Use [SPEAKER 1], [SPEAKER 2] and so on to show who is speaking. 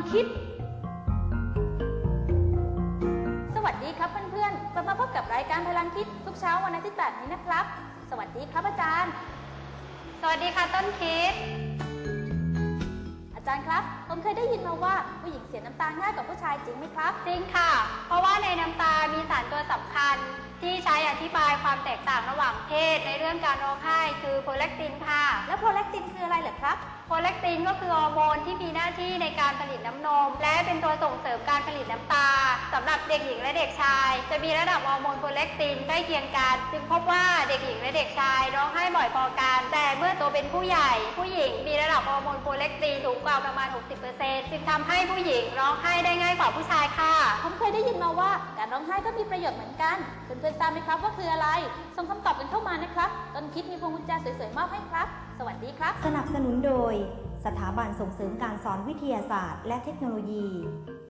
[SPEAKER 1] คิดสวัสดีครับเพื่อนๆกลับมาพบกับรายการพลังคิดทุกเช้าวันอาทิตย์แบบนี้นะครับสวัสดีครับอาจารย์
[SPEAKER 2] สวัสดีค่ะต้นคิด
[SPEAKER 1] อาจารย์ครับผมเคยได้ยินมาว่าผู้หญิงเสียน้ำตาง่ายกว่าผู้ชายจริงไหมครับ
[SPEAKER 2] จริงค่ะเพราะว่าในน้ำตามีสารตัวสำคัญที่ใช้อธิบายความแตกต่างระหว่างเพศในเรื่องการร้องไห้คือโพแลคตินค่ะ
[SPEAKER 1] แล้วโพแลคตินคืออะไรเหรอครับ
[SPEAKER 2] โพแลคตินก็คือฮอร์โมนที่มีหน้าที่ในการผลิตน้ำนมและเป็นตัวส่งเสริมการผลิตน้ำตาสำหรับเด็กหญิงและเด็กชายจะมีระดับฮอร์โมนโพแลคตินใกล้เคียงกันจึงพบว่าเด็กหญิงและเด็กชายร้องไห้บ่อยพอกันแต่เมื่อโตเป็นผู้ใหญ่ผู้หญิงมีระดับฮอร์โมนโพแลคตินสูงกว่าประมาณ 60% จึงทำให้ผู้หญิงร้องไห้ได้ง่ายกว่าผู้ชายค่ะ
[SPEAKER 1] ผมเคยได้ยินมาว่าการร้องไห้ก็มีประโยชน์เหมือนกันเพื่อนๆทราบไหมครับว่าคืออะไรส่งคำตอบกันเข้ามานะครับต้นคิดมีพวงกุญแจสวยๆมอบให้ครับสวัสดีครับ
[SPEAKER 3] สนับสนุนโดยสถาบันส่งเสริมการสอนวิทยาศาสตร์และเทคโนโลยี